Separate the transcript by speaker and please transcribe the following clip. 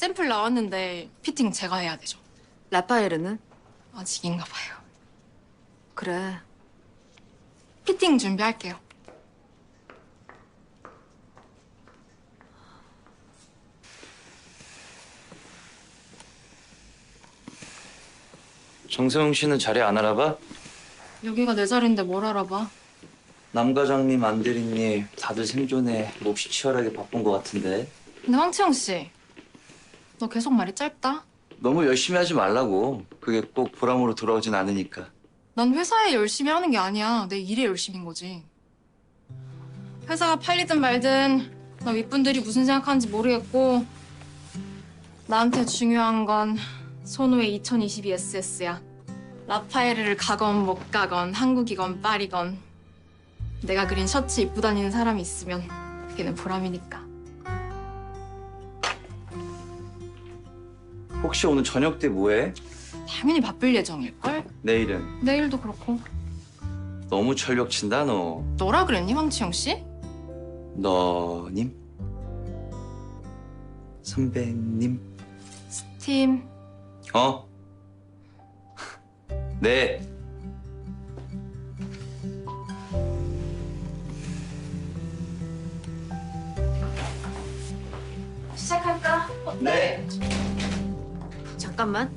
Speaker 1: 샘플 나왔는데 피팅 제가 해야 되죠.
Speaker 2: 라파엘은?
Speaker 1: 아직인가 봐요.
Speaker 2: 그래.
Speaker 1: 피팅 준비할게요.
Speaker 3: 정세웅 씨는 자리 안 알아봐?
Speaker 1: 여기가 내 자리인데 뭘 알아봐.
Speaker 3: 남 과장님, 안 대리님 다들 생존에 몹시 치열하게 바쁜 것 같은데.
Speaker 1: 근데 황채영 씨, 너 계속 말이 짧다.
Speaker 3: 너무 열심히 하지 말라고. 그게 꼭 보람으로 돌아오진 않으니까.
Speaker 1: 난 회사에 열심히 하는 게 아니야. 내 일에 열심인 거지. 회사가 팔리든 말든 나 윗분들이 무슨 생각하는지 모르겠고 나한테 중요한 건 손호의 2022SS야. 라파에르를 가건 못 가건 한국이건 파리건 내가 그린 셔츠 입고 다니는 사람이 있으면 그게는 보람이니까.
Speaker 3: 혹시 오늘 저녁 때 뭐해?
Speaker 1: 당연히 바쁠 예정일걸?
Speaker 3: 내일은?
Speaker 1: 내일도 그렇고.
Speaker 3: 너무 철벽 친다 너.
Speaker 1: 너라 그랬니, 황치영 씨?
Speaker 3: 너님? 선배님?
Speaker 1: 팀.
Speaker 3: 어? 네.
Speaker 1: 시작할까?
Speaker 3: 네.
Speaker 2: 잠깐만.